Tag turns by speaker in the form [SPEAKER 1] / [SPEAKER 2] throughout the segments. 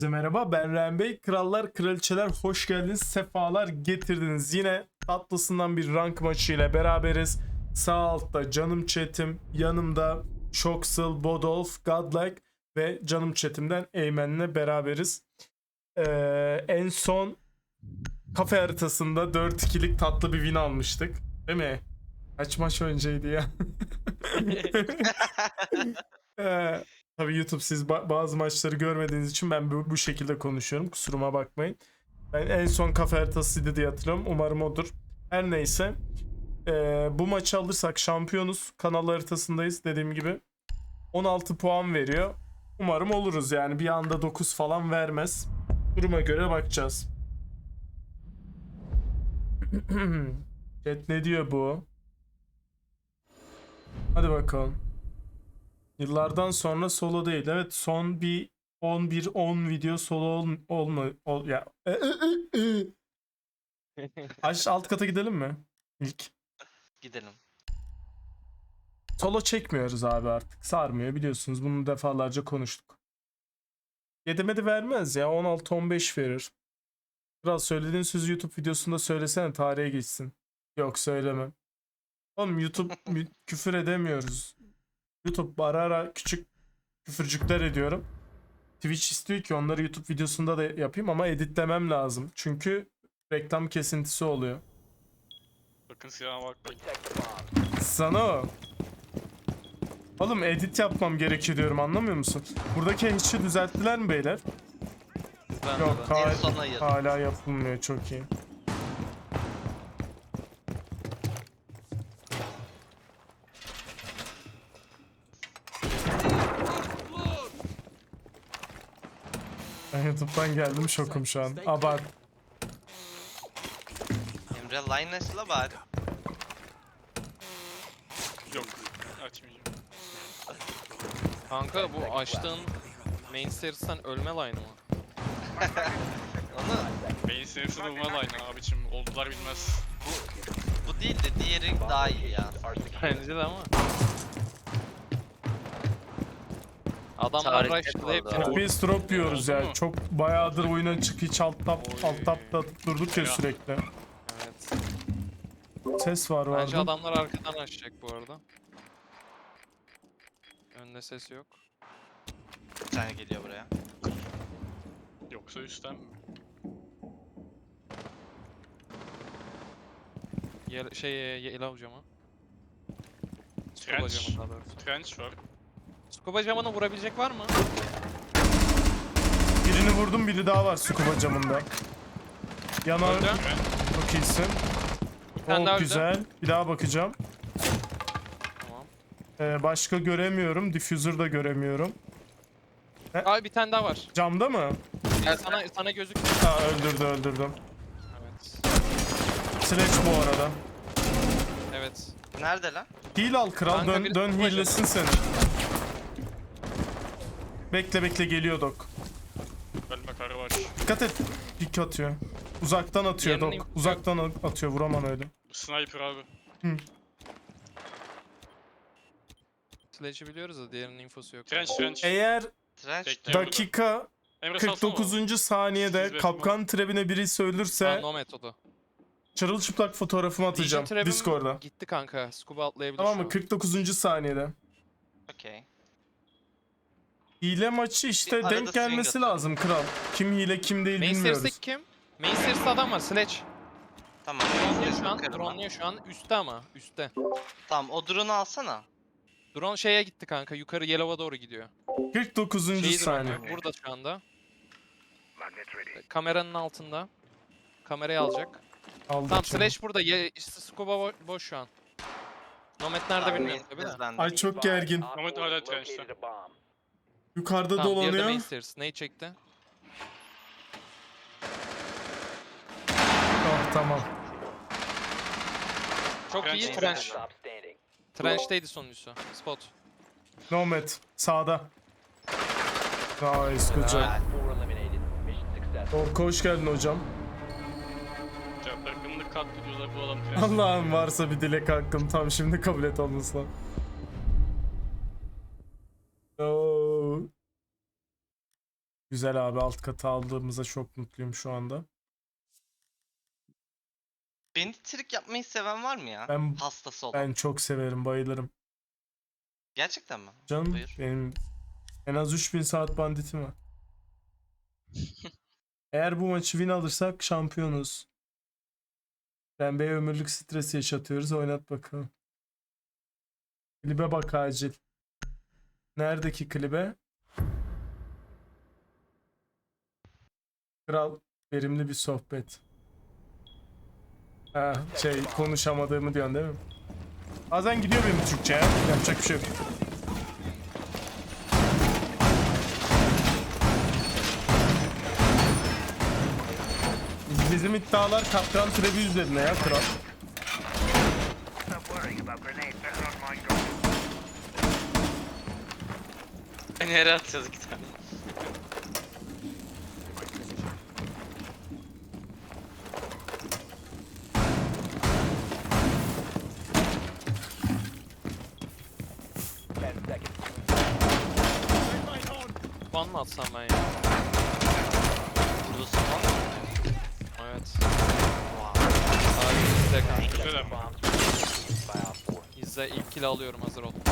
[SPEAKER 1] Merhaba, ben Ren Bey. Krallar, kraliçeler hoş geldiniz, sefalar getirdiniz. Yine tatlısından bir rank maçı ile beraberiz. Sağ altta canım chatim, yanımda Shoxel, Bodolf, Godlike ve canım chatimden Eymen'le beraberiz. En son kafe haritasında 4-2'lik tatlı bir win almıştık. Değil mi? Kaç maç önceydi ya? Tabii YouTube siz bazı maçları görmediğiniz için ben bu şekilde konuşuyorum. Kusuruma bakmayın. Ben en son kafe haritasıydı diye hatırlıyorum. Umarım odur. Her neyse. Bu maçı alırsak şampiyonuz. Kanal haritasındayız dediğim gibi. 16 puan veriyor. Umarım oluruz yani. Bir anda 9 falan vermez. Duruma göre bakacağız. Chat ne diyor bu? Hadi bakalım. Yıllardan sonra solo değil. Evet, son bir 11-10 video solo ya. Alt kata gidelim mi? İlk.
[SPEAKER 2] Gidelim.
[SPEAKER 1] Solo çekmiyoruz abi artık. Sarmıyor biliyorsunuz. Bunu defalarca konuştuk. Yedemedi vermez ya. 16-15 verir. Kral söylediğin sözü YouTube videosunda söylesene, tarihe geçsin. Yok, söylemem. Oğlum YouTube küfür edemiyoruz. YouTube ara ara küçük küfürcükler ediyorum. Twitch istiyor ki onları YouTube videosunda da yapayım ama editlemem lazım. Çünkü reklam kesintisi oluyor.
[SPEAKER 3] Bakın silahına bakmayın.
[SPEAKER 1] Sana o. Oğlum edit yapmam gerekiyor diyorum, anlamıyor musun? Buradaki hatch'i düzelttiler mi beyler? Yok,
[SPEAKER 2] En son hayır.
[SPEAKER 1] hala yapılmıyor, çok iyi. Ben YouTube'dan geldim, şokum şu an. Abart.
[SPEAKER 2] Emre Lines'la bari.
[SPEAKER 3] Yok. Açmayacağım.
[SPEAKER 4] Kanka bu açtığın main series'ten ölme line'ı mı?
[SPEAKER 2] Onu
[SPEAKER 3] Beyin sinirsi bulma line abicim. Oldular bilmez.
[SPEAKER 2] bu değil de diğeri daha iyi ya.
[SPEAKER 4] Bence de ama. Adamlar
[SPEAKER 2] Tarihte
[SPEAKER 4] rush'ladı
[SPEAKER 2] bu
[SPEAKER 4] hepsini
[SPEAKER 2] arada.
[SPEAKER 4] vurdu.
[SPEAKER 1] Biz drop yiyoruz ya.
[SPEAKER 3] Oldu mu?
[SPEAKER 1] Çok bayağıdır oyuna çık, hiç alt tapta durduk ya
[SPEAKER 3] Ya.
[SPEAKER 1] sürekli.
[SPEAKER 4] Evet.
[SPEAKER 1] Ses var
[SPEAKER 4] Bence
[SPEAKER 1] vardı.
[SPEAKER 4] adamlar arkadan açacak bu arada. Önde ses yok.
[SPEAKER 2] Bir tane geliyor buraya.
[SPEAKER 3] Yoksa üstten mi?
[SPEAKER 4] Yellow camı. Scuba
[SPEAKER 3] Trench.
[SPEAKER 4] camı daha doğrusu.
[SPEAKER 3] Trench var.
[SPEAKER 4] Scuba camını vurabilecek var mı?
[SPEAKER 1] Birini vurdum, biri daha var scuba camında. Yanar,
[SPEAKER 4] Öldü.
[SPEAKER 1] çok iyisin.
[SPEAKER 4] Bir tane daha
[SPEAKER 1] Çok
[SPEAKER 4] öldü.
[SPEAKER 1] güzel. Bir daha bakacağım.
[SPEAKER 4] Tamam.
[SPEAKER 1] Başka göremiyorum. Diffuser da göremiyorum.
[SPEAKER 4] Abi bir tane daha var.
[SPEAKER 1] Camda mı?
[SPEAKER 4] Sana gözüküyor.
[SPEAKER 1] Ha, öldürdüm.
[SPEAKER 4] Evet.
[SPEAKER 1] Sledge bu arada.
[SPEAKER 4] Evet.
[SPEAKER 2] Nerede lan?
[SPEAKER 1] Heal al kral,
[SPEAKER 4] Kanka
[SPEAKER 1] dön,
[SPEAKER 4] bir
[SPEAKER 1] dön
[SPEAKER 4] scuba
[SPEAKER 1] heal'lesin seni. Bekle geliyor Dok.
[SPEAKER 3] Ölme karı var.
[SPEAKER 1] Dikkat et. Pik atıyor. Uzaktan atıyor
[SPEAKER 4] Diğerinin
[SPEAKER 1] Dok.
[SPEAKER 4] info
[SPEAKER 1] Uzaktan atıyor, vuramam öyle.
[SPEAKER 3] Sniper abi.
[SPEAKER 4] Sledge'i biliyoruz da diğerinin infosu yok.
[SPEAKER 3] Trench.
[SPEAKER 1] Eğer
[SPEAKER 2] Trench.
[SPEAKER 3] Bekle.
[SPEAKER 1] dakika
[SPEAKER 3] Emre salsana.
[SPEAKER 1] 49. saniyede
[SPEAKER 3] Siz
[SPEAKER 1] kapkan trebine birisi ölürse
[SPEAKER 4] No metodu.
[SPEAKER 1] çırılçıplak fotoğrafımı atacağım
[SPEAKER 4] Legion Trap'im
[SPEAKER 1] Discord'a.
[SPEAKER 4] gitti kanka. Scuba atlayabilir
[SPEAKER 1] Tamam
[SPEAKER 4] şu
[SPEAKER 1] mı?
[SPEAKER 4] an.
[SPEAKER 1] 49. saniyede.
[SPEAKER 2] Okey.
[SPEAKER 1] Hile maçı işte
[SPEAKER 2] Bir arada
[SPEAKER 1] denk gelmesi
[SPEAKER 2] swing atıyor.
[SPEAKER 1] lazım kral. Kim hile kim değil
[SPEAKER 4] Main
[SPEAKER 1] bilmiyoruz.
[SPEAKER 4] series'teki kim? Main series'te adam var. Sledge.
[SPEAKER 2] Tamam.
[SPEAKER 4] Drone'luyor şu an.
[SPEAKER 2] Bakarım ben.
[SPEAKER 4] Drone'luyor şu an. Üstte ama. Üstte.
[SPEAKER 2] Tamam o drone'u alsana.
[SPEAKER 4] Drone şeye gitti kanka. Yukarı Yellow'a doğru gidiyor.
[SPEAKER 1] 49.
[SPEAKER 4] Şeyi
[SPEAKER 1] saniye.
[SPEAKER 4] drone'luyor. Burada şu anda. Kameranın altında. Kamerayı alacak.
[SPEAKER 1] Aldım
[SPEAKER 4] Tamam
[SPEAKER 1] şimdi.
[SPEAKER 4] Slash burada. Scuba boş şu an. Nomad nerede
[SPEAKER 2] Tamam,
[SPEAKER 4] bilmiyorum tabi de.
[SPEAKER 2] biz bende.
[SPEAKER 1] Ay çok gergin.
[SPEAKER 3] Ahmet hala trench'te.
[SPEAKER 1] Yukarıda
[SPEAKER 4] Tamam diğeri de
[SPEAKER 1] dolanıyor.
[SPEAKER 4] main series. Neyi çekti?
[SPEAKER 1] Oh, tamam.
[SPEAKER 4] Çok
[SPEAKER 3] Trench.
[SPEAKER 4] iyi trench. Trench'teydi sonuncusu. Spot.
[SPEAKER 1] Nomad sağda. Nice, good job.
[SPEAKER 4] Helal.
[SPEAKER 1] Orko hoş geldin hocam.
[SPEAKER 3] Takımını katlediyorlar bu adam trench.
[SPEAKER 1] Allah'ım varsa bir dilek hakkım tam şimdi kabul et olmasına. Oo. Güzel abi, alt katı aldığımıza çok mutluyum şu anda.
[SPEAKER 2] Beni trik yapmayı seven var mı ya?
[SPEAKER 1] Ben-
[SPEAKER 2] Hastası olan.
[SPEAKER 1] Ben çok severim, bayılırım.
[SPEAKER 2] Gerçekten mi?
[SPEAKER 1] Canım
[SPEAKER 2] Buyur.
[SPEAKER 1] benim en az 3000 saat banditim var. Eğer bu maçı win alırsak şampiyonuz. Pembe ömürlük stres yaşatıyoruz. Oynat bakalım. Klibe bak acil. Neredeki klibe? Kral, verimli bir sohbet. Ha, konuşamadığımı diyorsun değil mi? Bazen gidiyor benim Türkçe ya. Yapacak bir şey yok. Bizim iddialar Kaptan Trevi üzerine ya kral.
[SPEAKER 5] Stop worrying about grenades. They're not mine. Go.
[SPEAKER 2] Beni yere atacağız iki tane.
[SPEAKER 4] Ban mı atsam ben ya?
[SPEAKER 2] Burada spawn mı?
[SPEAKER 4] Evet.
[SPEAKER 2] Wow.
[SPEAKER 4] Abi izle kanka.
[SPEAKER 3] Güzel ama.
[SPEAKER 4] İzle, ilk kill alıyorum, hazır ol.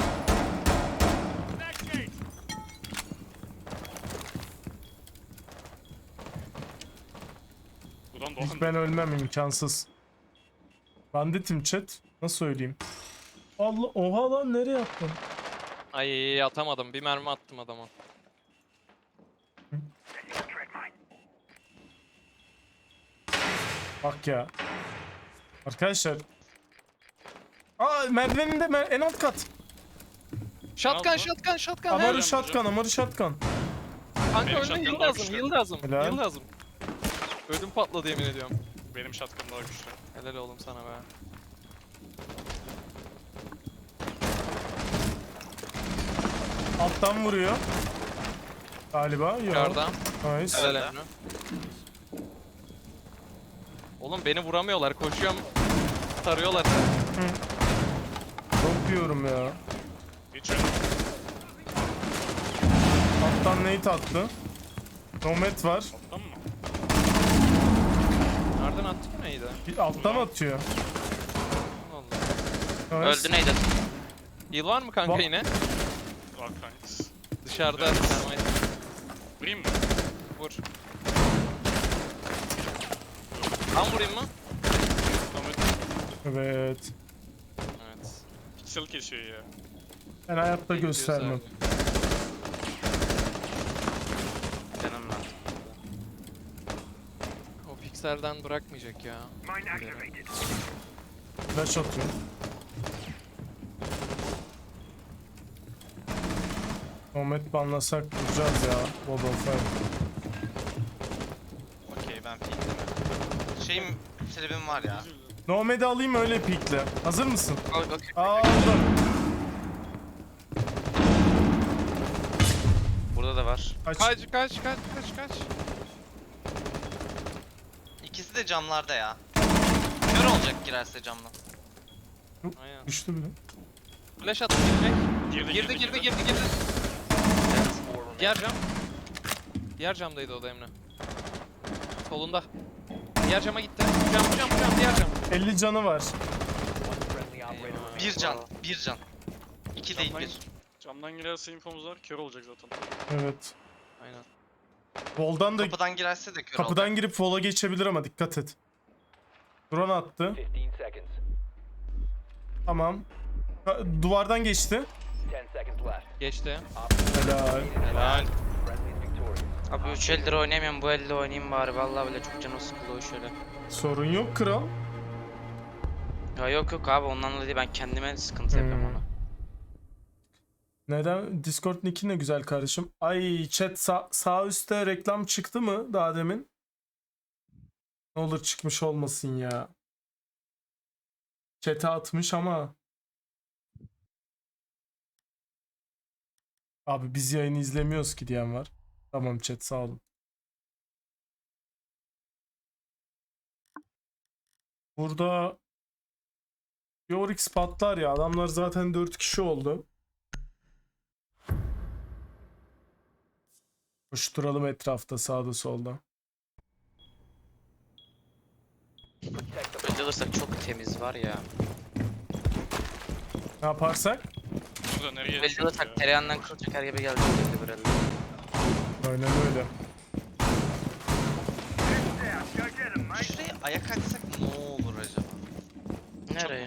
[SPEAKER 3] Buradan
[SPEAKER 1] Hiç
[SPEAKER 3] doğan
[SPEAKER 1] ben ölmem, imkansız. Banditim chat. Nasıl söyleyeyim? Allah, oha lan, nereye attın?
[SPEAKER 4] Ay atamadım, bir mermi attım adama.
[SPEAKER 1] Bak ya. Arkadaşlar. Aa, merdiveninde en alt kat.
[SPEAKER 4] Shotgun,
[SPEAKER 3] mı?
[SPEAKER 4] shotgun, shotgun.
[SPEAKER 1] Amaru
[SPEAKER 4] Amaru
[SPEAKER 3] Nereden
[SPEAKER 1] shotgun, Amaru shotgun.
[SPEAKER 4] Kanka
[SPEAKER 3] Benim
[SPEAKER 4] önüne
[SPEAKER 3] shotgun
[SPEAKER 4] yıl
[SPEAKER 3] daha
[SPEAKER 4] lazım,
[SPEAKER 3] güçlü.
[SPEAKER 4] yıl lazım.
[SPEAKER 1] Helal.
[SPEAKER 4] Yıl lazım. Ödüm patladı yemin ediyorum.
[SPEAKER 3] Benim shotgun daha güçlü.
[SPEAKER 4] Helal oğlum sana be.
[SPEAKER 1] Alttan vuruyor. Galiba. Yok.
[SPEAKER 4] Yukarıda.
[SPEAKER 1] Nice.
[SPEAKER 4] Helal Emre. Oğlum beni vuramıyorlar, koşuyorum. Tarıyorlar.
[SPEAKER 1] Çok diyorum ya.
[SPEAKER 3] Hiç öyle.
[SPEAKER 1] Alttan nade attı. Nomad var.
[SPEAKER 3] Alttan mı?
[SPEAKER 4] Nereden attık neydi?
[SPEAKER 1] Bir alttan atıyor.
[SPEAKER 4] Allah.
[SPEAKER 1] Nice.
[SPEAKER 2] Öldü neydi?
[SPEAKER 4] Heal var mı kanka
[SPEAKER 1] Va-
[SPEAKER 4] yine?
[SPEAKER 3] Var kanks.
[SPEAKER 4] Dışarıda.
[SPEAKER 3] Evet.
[SPEAKER 4] Termite.
[SPEAKER 3] Vurayım mı?
[SPEAKER 4] Vur. Ben vurayım mı?
[SPEAKER 3] Ahmet
[SPEAKER 1] Evet.
[SPEAKER 4] Evet.
[SPEAKER 3] piksel kesiyor ya.
[SPEAKER 1] Ben hayatta göstermem.
[SPEAKER 2] Canım lan.
[SPEAKER 4] O pikselden bırakmayacak ya.
[SPEAKER 5] Mine activated.
[SPEAKER 1] Flash atıyor. Nomad banlasak vuracağız ya. God of War.
[SPEAKER 2] Okey ben peekledim. Şeyim, tribim var ya.
[SPEAKER 1] Nomad'i alayım, öyle pikle. Hazır mısın?
[SPEAKER 2] Al.
[SPEAKER 1] Aldım.
[SPEAKER 2] Burada da var.
[SPEAKER 1] Kaç.
[SPEAKER 4] Kaç.
[SPEAKER 2] İkisi de camlarda ya. Kör olacak girerse camdan.
[SPEAKER 4] Aynen.
[SPEAKER 1] Düştü bile.
[SPEAKER 4] Flash attı girecek. Girdi. Diğer cam. Diğer camdaydı o da Emre. Solunda. Diğer cama gitti. Cam, diğer cam.
[SPEAKER 1] 50 canı var.
[SPEAKER 4] Eyvah.
[SPEAKER 2] Bir can. İki değil bir.
[SPEAKER 3] Camdan girerse infomuz var. Kör olacak zaten.
[SPEAKER 1] Evet.
[SPEAKER 4] Aynen.
[SPEAKER 1] Voldan da
[SPEAKER 2] Kapıdan girerse de kör
[SPEAKER 1] kapıdan
[SPEAKER 2] olacak.
[SPEAKER 1] girip vola geçebilir ama dikkat et. Drone attı.
[SPEAKER 6] 15 seconds.
[SPEAKER 1] Tamam. Duvardan geçti.
[SPEAKER 6] 10 seconds left.
[SPEAKER 4] Geçti.
[SPEAKER 1] Helal.
[SPEAKER 4] Helal.
[SPEAKER 6] Friendly is victorious.
[SPEAKER 7] Abi 3 eldir oynayamıyorum, bu elde oynayayım bari. Vallahi bile çok canım sıkılıyor şöyle.
[SPEAKER 1] Sorun yok kral.
[SPEAKER 7] Ya yok abi, ondan dolayı ben kendime sıkıntı yapıyorum ona.
[SPEAKER 1] Neden? Discord nick'in ne güzel kardeşim. Ay chat, sağ üstte reklam çıktı mı daha demin? Ne olur çıkmış olmasın ya. Chat'e atmış ama. Abi biz yayını izlemiyoruz ki diyen var. Tamam chat, sağ olun. Burada Yorix patlar ya. Adamlar zaten 4 kişi oldu. Koşturalım etrafta, sağda solda.
[SPEAKER 6] Protect the
[SPEAKER 7] Önce alırsak çok temiz var ya.
[SPEAKER 1] Ne yaparsak?
[SPEAKER 3] Burada nereye
[SPEAKER 7] Önce
[SPEAKER 3] düşüyoruz
[SPEAKER 7] alırsak
[SPEAKER 3] ya?
[SPEAKER 7] tereyağından kıl çeker gibi geldi böyle.
[SPEAKER 1] Aynen öyle.
[SPEAKER 5] Down. Go get him, mate.
[SPEAKER 2] Şuraya ayak açsak ne olur acaba?
[SPEAKER 7] Nereye?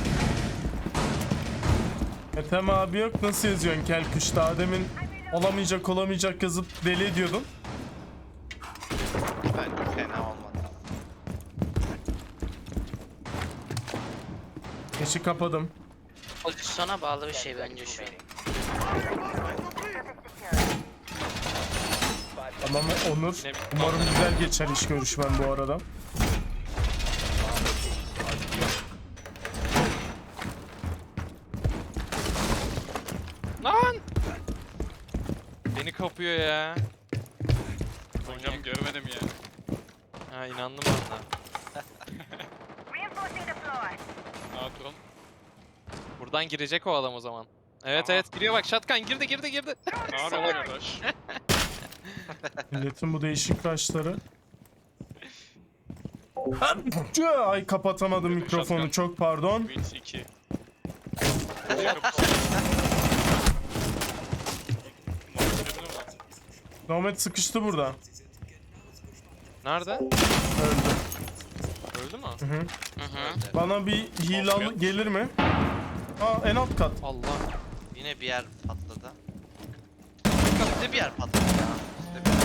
[SPEAKER 1] Ethem abi yok, nasıl yazıyorsun Kelkuş? Daha demin olamayacak yazıp deli ediyordun.
[SPEAKER 2] Bence fena olmadı.
[SPEAKER 1] Geçi kapadım.
[SPEAKER 7] Pozisyona bağlı bir şey bence şu.
[SPEAKER 1] Tamam Onur.
[SPEAKER 4] Yine bir-
[SPEAKER 1] Umarım güzel geçer iş görüşmen bu arada.
[SPEAKER 4] Lan! Beni kapıyor ya.
[SPEAKER 3] Hocam görmedim ya.
[SPEAKER 4] Ha inandım ben de.
[SPEAKER 5] Reinforcing the floor.
[SPEAKER 3] Aa drone.
[SPEAKER 4] Buradan girecek o adam o zaman. Evet
[SPEAKER 3] Aha.
[SPEAKER 4] evet giriyor bak shotgun girdi.
[SPEAKER 3] Ne haber arkadaş?
[SPEAKER 1] Milletin bu değişik kaşları. Ay kapatamadım mikrofonu, çok pardon.
[SPEAKER 3] Wins 2.
[SPEAKER 1] Nomad sıkıştı burada.
[SPEAKER 4] Nerede?
[SPEAKER 1] Öldü.
[SPEAKER 4] Öldü mü?
[SPEAKER 1] Hı hı.
[SPEAKER 7] Hı hı.
[SPEAKER 1] Bana bir heal gelir mi? Aa, en alt kat.
[SPEAKER 4] Allah.
[SPEAKER 2] Yine bir yer patladı. Üstte bir yer patladı ya. Üstte bir yer.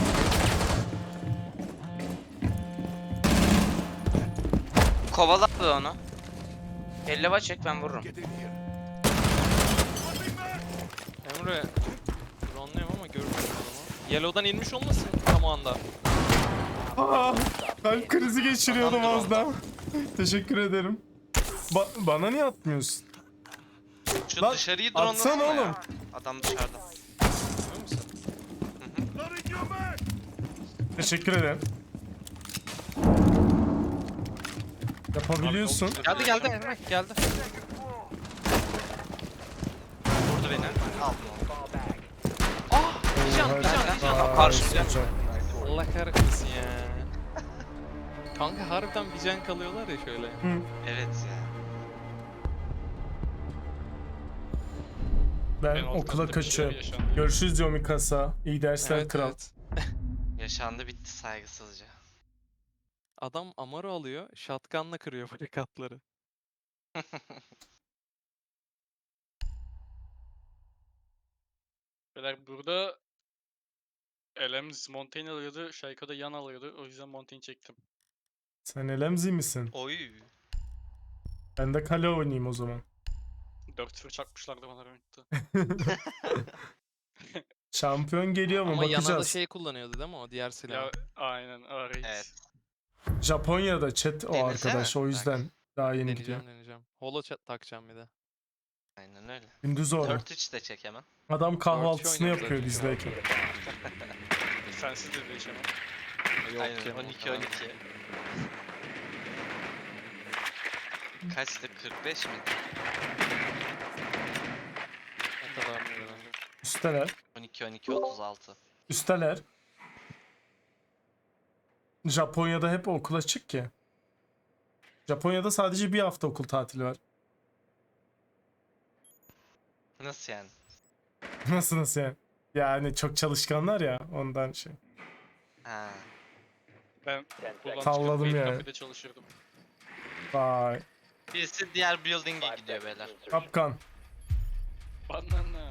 [SPEAKER 7] Kovala abi onu. Elleva çek ben vururum.
[SPEAKER 4] Emre. Drone'luyum ama görmüyorum adamı. Yellow'dan inmiş olmasın tam o anda.
[SPEAKER 1] Aa, kalp krizi geçiriyordum
[SPEAKER 2] Adamdır
[SPEAKER 1] az daha. Teşekkür ederim. Bana niye atmıyorsun?
[SPEAKER 2] Şu
[SPEAKER 1] Lan,
[SPEAKER 2] dışarıyı
[SPEAKER 1] atsana
[SPEAKER 2] drone'lasana ya.
[SPEAKER 1] oğlum.
[SPEAKER 2] Adam dışarıda.
[SPEAKER 4] Görüyor musun?
[SPEAKER 1] Teşekkür ederim. Yapabiliyorsun.
[SPEAKER 4] Geldi Emre geldi.
[SPEAKER 2] Vurdu beni. Aldım onu.
[SPEAKER 6] Fall back.
[SPEAKER 4] Ah! Bir can.
[SPEAKER 1] Aa,
[SPEAKER 7] Karşımda.
[SPEAKER 1] güzel.
[SPEAKER 4] Allah kahretsin ya. Kanka harbiden bir can kalıyorlar ya şöyle.
[SPEAKER 2] Evet ya.
[SPEAKER 1] Ben
[SPEAKER 3] En alt
[SPEAKER 1] okula
[SPEAKER 3] katta bir şeyler
[SPEAKER 1] kaçıyorum.
[SPEAKER 3] yaşandı.
[SPEAKER 1] Görüşürüz diyor Mikasa. İyi dersler
[SPEAKER 4] Evet,
[SPEAKER 1] kral.
[SPEAKER 4] evet.
[SPEAKER 2] Yaşandı bitti saygısızca.
[SPEAKER 4] Adam Amaro alıyor, shotgunla kırıyor barikatları.
[SPEAKER 3] Beyler burada Elems Montaigne alıyordu, Şayka da yan alıyordu. O yüzden Montaigne çektim.
[SPEAKER 1] Sen Elemzi misin?
[SPEAKER 2] Oy.
[SPEAKER 1] Ben de kale oynayayım o zaman.
[SPEAKER 3] 4-0 çakmışlardı bana rankta.
[SPEAKER 1] Şampiyon geliyor mu?
[SPEAKER 4] Ama yana da
[SPEAKER 1] Bakacağız.
[SPEAKER 4] şey kullanıyordu değil mi o diğer silah?
[SPEAKER 3] Ya aynen Ares.
[SPEAKER 2] Evet.
[SPEAKER 1] Japonya'da chat o
[SPEAKER 2] Denesene.
[SPEAKER 1] arkadaş, o yüzden daha yeni gidiyor.
[SPEAKER 4] Deneyeceğim. Holo takacağım bir de.
[SPEAKER 2] Aynen öyle.
[SPEAKER 1] Gündüz o.
[SPEAKER 2] 4-3 de çek hemen.
[SPEAKER 1] Adam kahvaltısını
[SPEAKER 4] oynuyoruz
[SPEAKER 1] yapıyor
[SPEAKER 4] zaten.
[SPEAKER 1] bizdeyken.
[SPEAKER 3] Sensiz de değişemem.
[SPEAKER 4] Yok
[SPEAKER 2] Aynen
[SPEAKER 4] canım, o
[SPEAKER 2] 12-12.
[SPEAKER 4] kadar.
[SPEAKER 2] Kaçtı? 45 miydi?
[SPEAKER 4] O kadar mı yani?
[SPEAKER 1] Üsteler.
[SPEAKER 2] 12-12-36.
[SPEAKER 1] Üsteler. Japonya'da hep okul açık ki. Japonya'da sadece bir hafta okul tatili var.
[SPEAKER 2] Nasıl yani?
[SPEAKER 1] Nasıl yani? Yani çok çalışkanlar ya, ondan şey.
[SPEAKER 2] Ha.
[SPEAKER 3] Ben
[SPEAKER 6] 10 seconds.
[SPEAKER 3] buradan
[SPEAKER 1] Salladım
[SPEAKER 3] çıkıp
[SPEAKER 1] yani.
[SPEAKER 3] kafede çalışırdım.
[SPEAKER 1] Vay.
[SPEAKER 2] Birisi diğer building'e
[SPEAKER 6] 5
[SPEAKER 2] gidiyor
[SPEAKER 6] seconds
[SPEAKER 2] beyler.
[SPEAKER 6] to insertion.
[SPEAKER 1] Kapkan.
[SPEAKER 3] Banana.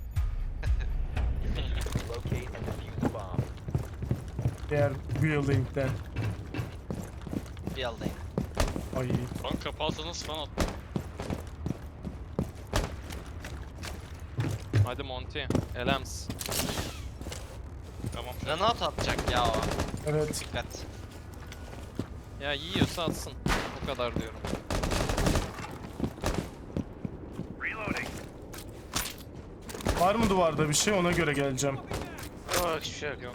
[SPEAKER 6] Locate and defuse the bomb.
[SPEAKER 1] Diğer building'den.
[SPEAKER 2] Bir aldayım.
[SPEAKER 1] Ay.
[SPEAKER 3] Lan kapatsanız falan attım.
[SPEAKER 4] Hadi Monty. Elems.
[SPEAKER 3] Tamam.
[SPEAKER 2] Granat atacak ya o.
[SPEAKER 1] Evet.
[SPEAKER 2] Dikkat.
[SPEAKER 4] Ya yiyorsa atsın. O kadar diyorum.
[SPEAKER 5] Reloading.
[SPEAKER 1] Var mı duvarda bir şey, ona göre geleceğim.
[SPEAKER 7] Yok hiçbir şey yok.
[SPEAKER 4] Yok.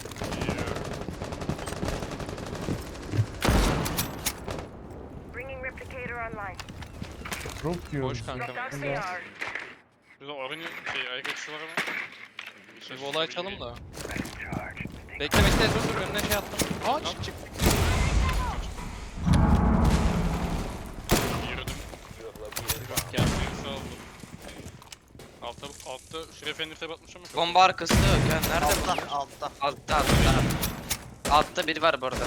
[SPEAKER 5] Bringing replicator online.
[SPEAKER 1] Drop diyor.
[SPEAKER 4] Boş kanka.
[SPEAKER 5] Dropped
[SPEAKER 1] Yeah.
[SPEAKER 5] RCR.
[SPEAKER 3] Burada orange ayak açısı var ama.
[SPEAKER 4] Bir vola açalım da.
[SPEAKER 5] Charge.
[SPEAKER 4] Bekle dur önüne şey attım. Aa çık.
[SPEAKER 3] Yürüdüm.
[SPEAKER 6] You have located a bomb.
[SPEAKER 3] Gelmeyi sağ olun. Altta şuraya fenir tab atmışım ama.
[SPEAKER 7] Bomba arkası yok ya. Nerede bu?
[SPEAKER 2] Altta.
[SPEAKER 7] Altta. Altta biri var bu arada.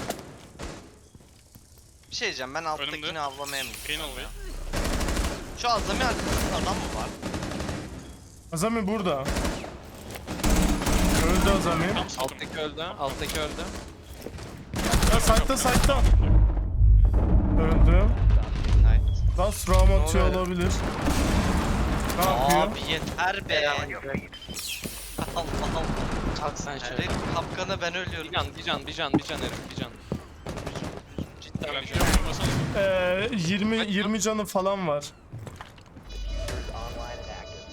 [SPEAKER 2] Bir şey diyeceğim, ben alttakini
[SPEAKER 3] Önümde.
[SPEAKER 2] avlamaya mı
[SPEAKER 3] Green
[SPEAKER 2] gitsem
[SPEAKER 3] oluyor.
[SPEAKER 2] ya? Şu azami arkasında adam mı var?
[SPEAKER 1] Azami burada. Öldü Azami.
[SPEAKER 3] Tam sıkım.
[SPEAKER 4] Alttaki öldü.
[SPEAKER 1] Ya site'da. Öldü.
[SPEAKER 2] Night.
[SPEAKER 1] Last round
[SPEAKER 7] Ne
[SPEAKER 1] atıyor
[SPEAKER 7] oluyor?
[SPEAKER 1] olabilir. Ne yapıyor?
[SPEAKER 2] Abi yeter be. Allah Allah.
[SPEAKER 7] Kalk sen şöyle.
[SPEAKER 2] Herif kapkanı ben ölüyorum.
[SPEAKER 4] Bir can herif bir can. Cidden
[SPEAKER 3] Ben
[SPEAKER 4] bir
[SPEAKER 3] bir
[SPEAKER 4] can.
[SPEAKER 3] vurmasana.
[SPEAKER 1] 20 canı falan var.
[SPEAKER 6] Diffusers online and active.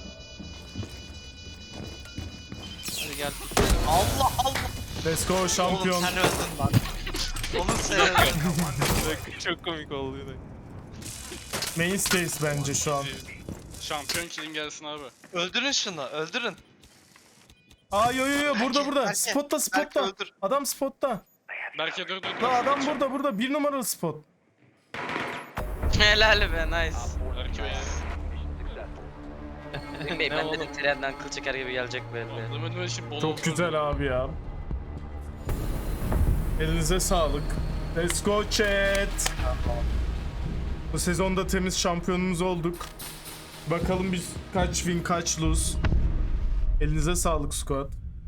[SPEAKER 4] Hadi gel.
[SPEAKER 2] Allah Allah.
[SPEAKER 1] Let's go
[SPEAKER 2] Oğlum
[SPEAKER 1] şampiyon.
[SPEAKER 2] sen öldün lan. Oğlum sen öldün.
[SPEAKER 4] Çok komik oldu yine.
[SPEAKER 1] Mainstays bence şu an.
[SPEAKER 3] Şampiyon killing gelsin abi.
[SPEAKER 2] Öldürün şunu, öldürün.
[SPEAKER 1] Aa yo burada.
[SPEAKER 2] Berke,
[SPEAKER 1] Spotta
[SPEAKER 2] Berke öldür.
[SPEAKER 1] Adam spotta.
[SPEAKER 3] Belki dur.
[SPEAKER 1] La adam burada. 1 numaralı spot.
[SPEAKER 7] Helal be nice.
[SPEAKER 6] Op 4
[SPEAKER 3] Belki be ya.
[SPEAKER 6] mission successful.
[SPEAKER 7] Bey
[SPEAKER 4] Ne
[SPEAKER 7] ben
[SPEAKER 4] oğlum?
[SPEAKER 7] dedim trenden kıl çeker gibi gelecek belli.
[SPEAKER 3] Adamın böyle şimdi bol
[SPEAKER 1] Çok
[SPEAKER 3] olsun.
[SPEAKER 1] güzel abi ya. Elinize sağlık. Let's go chat. Bu sezonda temiz şampiyonumuz olduk. Bakalım biz kaç win kaç lose. Elinize sağlık squad.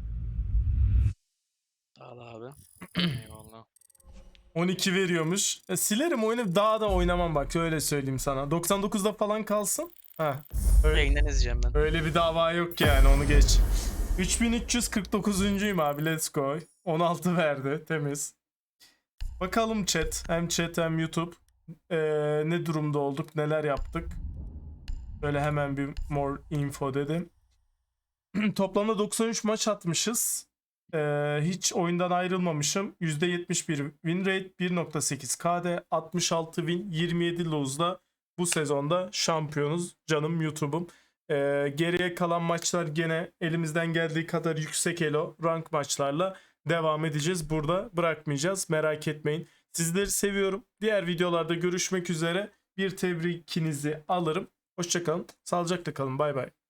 [SPEAKER 4] Sağ ol abi. Eyvallah.
[SPEAKER 1] 12 veriyormuş. Silerim oyunu, daha da oynamam bak, öyle söyleyeyim sana. 99'da falan kalsın. Ha. Öyle,
[SPEAKER 7] Yayından izleyeceğim ben.
[SPEAKER 1] öyle bir dava yok yani, onu geç. 3349'uncuyum abi, let's go. 16 verdi, temiz. Bakalım chat, hem chat hem YouTube. Ne durumda olduk, neler yaptık. Böyle hemen bir more info dedim. Toplamda 93 maç atmışız. Hiç oyundan ayrılmamışım. %71 win rate, 1.8 KD, 66 win, 27 lose'la bu sezonda şampiyonuz canım YouTube'um. Geriye kalan maçlar gene elimizden geldiği kadar yüksek elo rank maçlarla devam edeceğiz. Burada bırakmayacağız, merak etmeyin. Sizleri seviyorum. Diğer videolarda görüşmek üzere. Bir tebrikinizi alırım. Hoşçakalın. Sağlıcakla kalın. Bay bay.